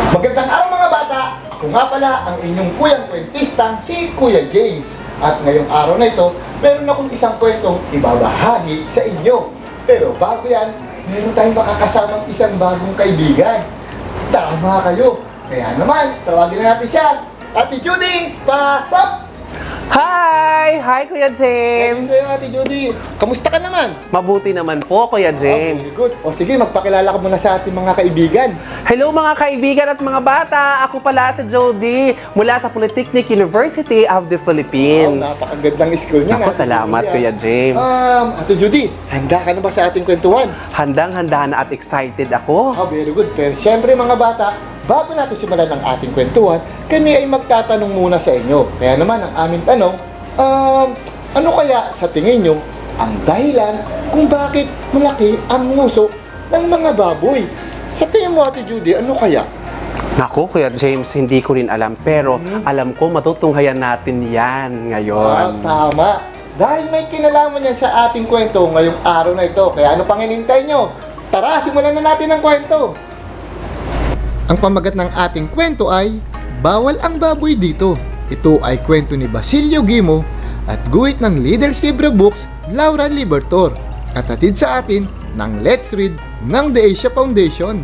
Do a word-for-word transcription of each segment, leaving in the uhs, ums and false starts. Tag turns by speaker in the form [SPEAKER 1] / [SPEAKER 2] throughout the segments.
[SPEAKER 1] Magandang araw mga bata! Ako nga pala ang inyong kuyang kwentistang si Kuya James. At ngayong araw na ito, meron akong isang kwentong ibabahagi sa inyo. Pero bago yan, meron tayong makakasamang isang bagong kaibigan. Tama kayo! Kaya naman, tawagin na natin siya. Ate Judy, pasok!
[SPEAKER 2] Hi! Hi, Kuya James!
[SPEAKER 1] Thank you sa'yo, Ate Judy. Kamusta ka naman?
[SPEAKER 2] Mabuti naman po, Kuya James.
[SPEAKER 1] Okay, good. O sige, magpakilala ka muna sa ating mga kaibigan.
[SPEAKER 2] Hello mga kaibigan at mga bata! Ako pala si Jody mula sa Polytechnic University of the
[SPEAKER 1] Wow,
[SPEAKER 2] Philippines.
[SPEAKER 1] napakagandang school niya.
[SPEAKER 2] Ako, salamat, Kuya James.
[SPEAKER 1] Um, Ate Judy, handa ka na ba sa ating kwentuhan?
[SPEAKER 2] Handang-handa na at excited ako.
[SPEAKER 1] Oh, very good. Pero syempre mga bata, bago natin simulan ang ating kwentuhan, kami ay magtatanong muna sa inyo. Kaya naman ang aming tanong, um, ano kaya sa tingin nyo ang dahilan kung bakit malaki ang nguso ng mga baboy? Sa tingin mo, Ate Judy, ano kaya?
[SPEAKER 2] Naku, Kuya James, hindi ko rin alam. Pero alam ko matutunghayan natin yan
[SPEAKER 1] Ah,
[SPEAKER 2] ngayon.
[SPEAKER 1] tama. Dahil may kinalaman yan sa ating kwento ngayong araw na ito. Kaya ano pang hinintay nyo? Tara, simulan na natin ang kwento. Ang pamagat ng ating kwento ay Bawal ang Baboy Dito. Ito ay kwento ni Basilio Gimo at guhit ng Little Zebra Books, Laura Libertor, at hatid sa atin ng Let's Read ng The Asia Foundation.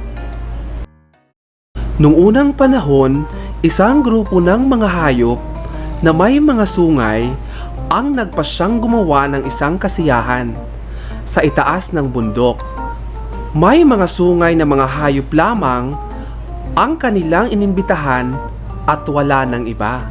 [SPEAKER 2] Nung unang panahon, isang grupo ng mga hayop na may mga sungay ang nagpasyang gumawa ng isang kasiyahan sa itaas ng bundok. May mga sungay na mga hayop lamang ang kanilang inimbitahan at wala ng iba.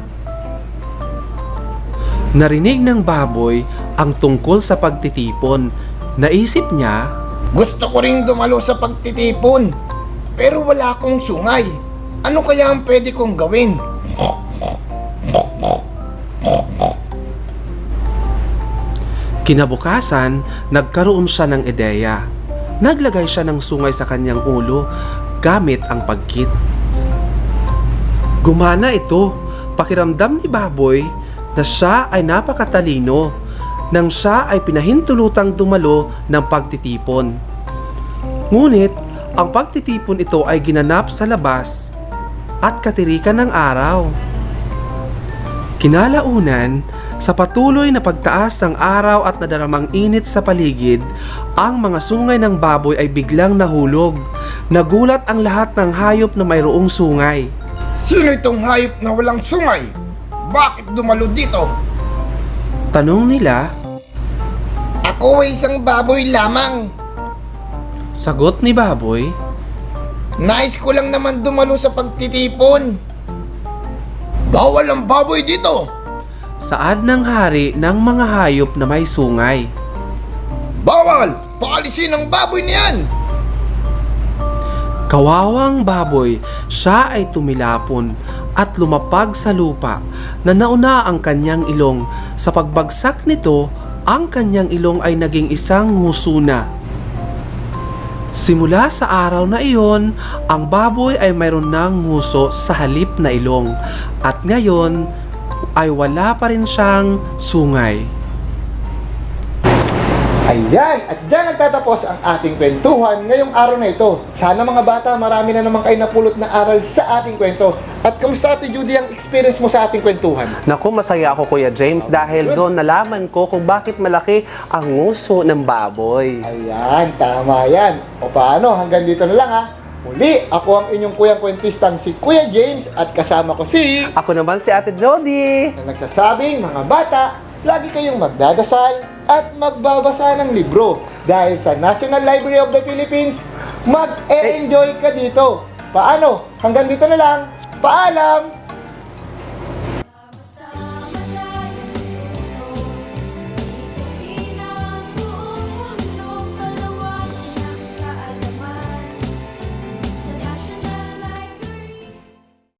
[SPEAKER 2] Narinig ng baboy ang tungkol sa pagtitipon. Naisip niya,
[SPEAKER 1] Gusto ko ring dumalo sa pagtitipon, pero wala akong sungay. Ano kaya ang pwede kong gawin?
[SPEAKER 2] kinabukasan, nagkaroon siya ng ideya. Naglagay siya ng sungay sa kanyang ulo gamit ang pagkit. Gumana ito. Pakiramdam ni baboy na siya ay napakatalino nang siya ay pinahintulutang dumalo ng pagtitipon. Ngunit, ang pagtitipon ito ay ginanap sa labas at katirikan ng araw. Kinalaunan, sa patuloy na pagtaas ng araw at nadaramang init sa paligid, ang mga sungay ng baboy ay biglang nahulog. Nagulat ang lahat ng hayop na mayroong sungay.
[SPEAKER 1] Sino itong hayop na walang sungay? Bakit dumalo dito?
[SPEAKER 2] Tanong nila,
[SPEAKER 1] Ako ay isang baboy lamang.
[SPEAKER 2] sagot ni baboy,
[SPEAKER 1] Nais ko lang naman dumalo sa pagtitipon. Bawal ang baboy dito.
[SPEAKER 2] saad ng hari ng mga hayop na may sungay.
[SPEAKER 1] Bawal! Paalisin ang baboy niyan!
[SPEAKER 2] Kawawang baboy, siya ay tumilapon at lumapag sa lupa na nauna ang kanyang ilong. Sa pagbagsak nito, ang kanyang ilong ay naging isang nguso na. Simula sa araw na iyon, ang baboy ay mayroon ng nguso sa halip na ilong at ngayon ay wala pa rin siyang sungay. Ayan, at dyan nagtatapos ang ating kwentuhan ngayong araw na ito. Sana mga bata, marami na naman kayo napulot na aral sa ating kwento. At kamusta, Ate Judy, ang experience mo sa ating kwentuhan? Naku, masaya ako, Kuya James, dahil doon nalaman ko kung bakit malaki ang nguso ng baboy.
[SPEAKER 1] Ayan, tama yan. O paano, hanggang dito na lang ha. Muli, ako ang inyong kuyang kwentistang si Kuya James at kasama ko si...
[SPEAKER 2] Ako naman si Ate Jody.
[SPEAKER 1] na nagsasabing, mga bata, lagi kayong magdadasal at magbabasa ng libro. Dahil sa National Library of the Philippines, mag-e-enjoy ka dito. Paano? Hanggang dito na lang. Paalam!